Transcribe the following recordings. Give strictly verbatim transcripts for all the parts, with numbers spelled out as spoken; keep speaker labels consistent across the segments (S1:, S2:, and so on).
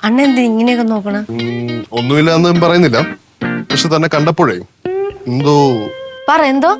S1: അന്നെന്ത് ഇങ്ങനെയൊക്കെ നോക്കണ?
S2: ഒന്നുമില്ല എന്ന് പറയുന്നില്ല, പക്ഷെ തന്നെ കണ്ടപ്പോഴേ എന്തോ
S1: പറ. എന്തോ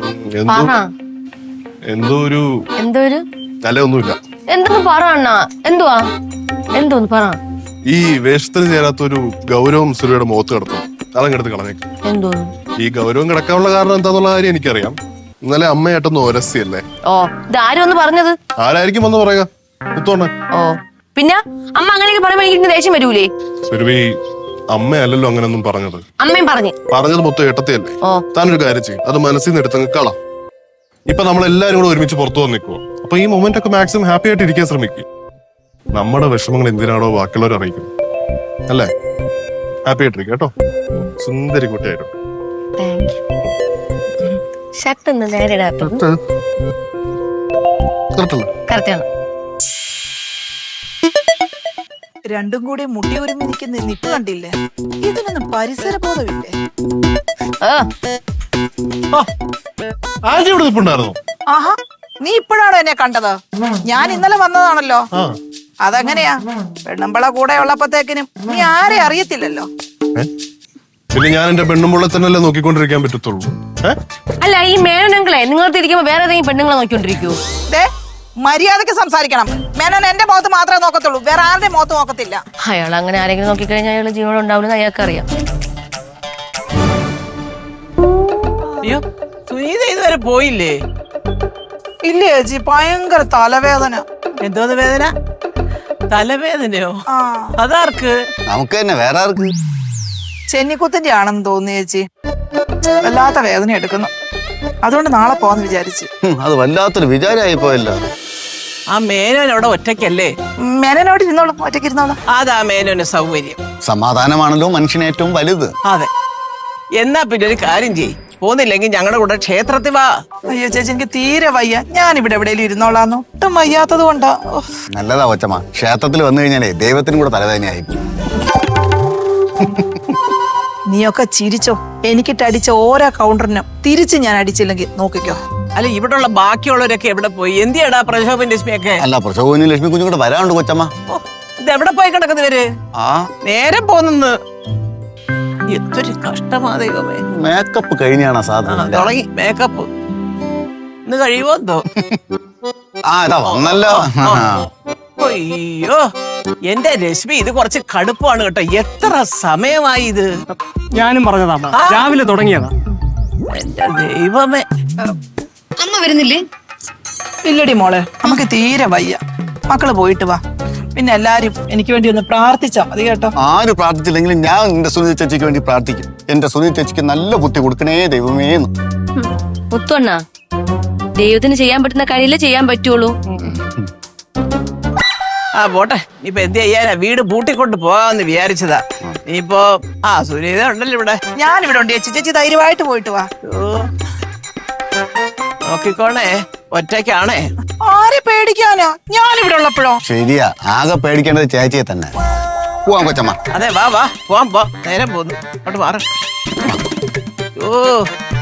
S2: എന്തോ ഒരു
S1: എന്തോ ഒരു
S2: അല്ല ഒന്നുമില്ല.
S1: എന്തൊന്ന് പറ അണ്ണാ. എന്തുവാ? എന്തോന്ന് പറ.
S2: ഈ വേഷത്തിന് ചേരാത്ത ഒരു ഗൗരവം സുരയുടെ മുഖത്ത് കിടത്തും, അതങ്ങെടുത്ത് കളഞ്ഞേക്ക്.
S1: എന്തോ
S2: ഈ ഗൗരവം കിടക്കാനുള്ള കാരണം എന്താന്നുള്ള കാര്യം എനിക്കറിയാം. ഇന്നലെ അമ്മയായിട്ടൊന്ന് ഒരസിയല്ലേ?
S1: ഓ, ഇതാരും ഒന്ന് പറഞ്ഞത്?
S2: ആരായിരിക്കും വന്ന് പറയുക? മുത്തോണ്ണ.
S1: ഓ, പിന്നെ അമ്മ അങ്ങനെയൊക്കെ പറയുമ്പോ എനിക്ക് ദേഷ്യം വരൂലേ?
S2: സുരഭി, അമ്മയല്ലല്ലോ അങ്ങനൊന്നും പറഞ്ഞത്.
S1: അമ്മയും പറഞ്ഞു
S2: പറഞ്ഞത് മൊത്തം ഏട്ടത്തിയല്ലേ? താനൊരു കാര്യം ചെയ്യും, അത് മനസ്സിൽ നിന്ന് എടുത്തങ്ങ് കള. ഇപ്പൊ നമ്മളെല്ലാരും കൂടെ ഒരുമിച്ച് പുറത്തു വന്ന് നിൽക്കുവോ. അപ്പൊ ഈ മൊമെന്റ് ഒക്കെ മാക്സിമം ഹാപ്പി ആയിട്ട് ഇരിക്കാൻ ശ്രമിക്കും. നമ്മുടെ വിഷമങ്ങൾ എന്തിനാണോ ബാക്കിയുള്ളവർ അറിയിക്കുന്നത്, അല്ലേ? ഹാപ്പി ആയിട്ടിരിക്കും കേട്ടോ, സുന്ദരി കുട്ടിയായിരുന്നു.
S1: ഷർട്ട് ഒന്ന് നേരെ
S3: രണ്ടും കൂടി മുട്ടി ഒരുമി നിൽക്കുന്ന നിപ്പ് കണ്ടില്ലേ? ഇതിനൊന്നും പരിസര ബോധമില്ലേ? ആഹാ, നീ ഇപ്പോഴാണോ എന്നെ കണ്ടത്? ഞാൻ ഇന്നലെ വന്നതാണല്ലോ. അതെങ്ങനെയാ? പെണ്ണുമ്പള കൂടെ ഉള്ളപ്പോഴത്തേക്കിനും നീ ആരെ അറിയത്തില്ലല്ലോ.
S2: പിന്നെ ഞാൻ എന്റെ പെണ്ണുമ്പളെ തന്നെയല്ലേ നോക്കിക്കൊണ്ടിരിക്കാൻ പറ്റത്തുള്ളൂ.
S1: അല്ല, ഈ മേനോനങ്ങളെ നിങ്ങൾ തിരിക്കുമ്പോ വേറെ ഏതെങ്കിലും പെണ്ണുങ്ങളെ നോക്കിക്കൊണ്ടിരിക്കൂ?
S3: മര്യാദക്ക് സംസാരിക്കണം. മേനോൻ എന്റെ മുഖത്ത് മാത്രമേ നോക്കത്തുള്ളൂ, വേറെ ആരുടെ മുഖത്ത് നോക്കത്തില്ല.
S1: അയാൾ അങ്ങനെ ആരെങ്കിലും നോക്കിക്കഴിഞ്ഞാൽ അയാൾ ജീവനം ഉണ്ടാവില്ലെന്ന് അയാൾക്ക് അറിയാം.
S4: അയ്യോ, സുനീത ഇതുവരെ പോയില്ലേ?
S3: ഇല്ല ചേച്ചി, ഭയങ്കര തലവേദന.
S4: എന്തോന്ന് വേദന? തലവേദനയോ? അതാർക്ക്?
S5: നമുക്ക് തന്നെ, വേറെ ആർക്ക്?
S3: ചെന്നിക്കുത്തിന്റെ ആണെന്ന് തോന്നുന്നു ചേച്ചി. വല്ലാത്ത വേദന എടുക്കുന്നു, അതുകൊണ്ട് നാളെ പോവാന്ന് വിചാരിച്ചു.
S5: അത് വല്ലാത്തൊരു വിചാരമായി പോയല്ലോ.
S4: ആ മേനോൻ അവിടെ ഒറ്റയ്ക്കല്ലേ?
S3: മേനോട് ഇരുന്നോളും, ഒറ്റയ്ക്ക് ഇരുന്നോളും.
S4: അതാ മേനോന് സൗകര്യം.
S5: സമാധാനമാണല്ലോ മനുഷ്യന് ഏറ്റവും വലുത്.
S4: അതെ. എന്നാ പിന്നെ ഒരു കാര്യം ചെയ്യ്, പോന്നില്ലെങ്കിൽ ഞങ്ങളുടെ കൂടെ ക്ഷേത്രത്തിൽ വാ.
S3: അയ്യോ ചേച്ചി, എനിക്ക് തീരെ വയ്യ. ഞാൻ ഇവിടെ എവിടെയെങ്കിലും ഇരുന്നോളാന്ന്. ഒട്ടും വയ്യാത്തത് കൊണ്ടാ.
S5: നല്ലതാ കൊച്ചമ്മ, ക്ഷേത്രത്തിൽ വന്നു കഴിഞ്ഞാലേ ദൈവത്തിനും കൂടെ തലവേദനയായി.
S3: നീയൊക്കെ ചിരിച്ചോ. എനിക്കിട്ടടിച്ച ഓരോ കൗണ്ടറിനും തിരിച്ച് ഞാൻ അടിച്ചില്ലെങ്കിൽ നോക്കിക്കോ.
S4: അല്ല, ഇവിടെയുള്ള ബാക്കിയുള്ളവരൊക്കെ എവിടെ പോയി? എന്തിയാടാ പ്രശോഭൻ ലക്ഷ്മിയൊക്കെ?
S5: അല്ല, പ്രശോഭനും ലക്ഷ്മി കുഞ്ഞും കൂടെ വരാനുണ്ട് കൊച്ചമ്മ.
S4: ഇത് എവിടെ പോയി കിടക്കുന്നവര്?
S5: ആ,
S4: നേരെ പോന്നു. എന്തൊരു കഷ്ടമാ ദൈവമേ.
S5: മേക്കപ്പ് കഴിഞ്ഞാണ് സാധനം
S4: തുടങ്ങി മേക്കപ്പ്. ഇന്ന് കഴിയുമോ എന്തോ?
S5: ആ, ഇതാ വന്നല്ലോ.
S4: അയ്യോ, എന്റെ രശ്മി, ഇത് കുറച്ച് കടുപ്പാണ് കേട്ടോ. എത്ര സമയമായി ഇത്?
S6: ഞാനും പറഞ്ഞതാ, രാവിലെ തുടങ്ങിയതാ.
S4: എന്റെ ദൈവമേ.
S1: അമ്മ വരുന്നില്ലേ?
S3: ഇല്ലടി മോളെ, നമുക്ക് തീരെ വയ്യ. മക്കള് പോയിട്ട് വാ. പിന്നെ എല്ലാരും എനിക്ക് വേണ്ടി ഒന്ന് പ്രാർത്ഥിച്ചാ മതി കേട്ടോ.
S5: ആര് പ്രാർത്ഥിച്ചില്ലെങ്കിലും ഞാൻ എന്റെ സുനിത ചേച്ചിക്ക് വേണ്ടി പ്രാർത്ഥിക്കും. എന്റെ സുനിത ചേച്ചിക്ക് നല്ല ബുദ്ധി കൊടുക്കണേ ദൈവമേന്ന്.
S1: മുത്തുവണ്ണ, ദൈവത്തിന് ചെയ്യാൻ പറ്റുന്ന കാര്യമില്ലേ ചെയ്യാൻ പറ്റുള്ളൂ.
S4: ആ പോട്ടെ, ഇപ്പൊ എന്ത് ചെയ്യാനാ? വീട് പൂട്ടിക്കൊണ്ട് പോകാന്ന് വിചാരിച്ചതാ. ഇനിയിപ്പോ ആ സുനീത ഉണ്ടല്ലോ ഇവിടെ.
S3: ഞാൻ ഇവിടെ ഉണ്ട് ചേച്ചി. ചേച്ചി ധൈര്യമായിട്ട് പോയിട്ട് വാ.
S4: നോക്കിക്കോണേ, ഒറ്റയ്ക്കാണേ.
S3: ആരെ പേടിക്കാനാ? ഞാൻ ഇവിടെ ഉള്ളപ്പോഴോ?
S5: ശരിയാ, ആകെ പേടിക്കേണ്ടത് ചേച്ചിയെ തന്നെ. പോവാം കൊച്ചമ്മ.
S4: അതെ, വാ വാ, പോവാം പോ. നേരം പോന്നു, അങ്ങോട്ട് മാറ. ഓ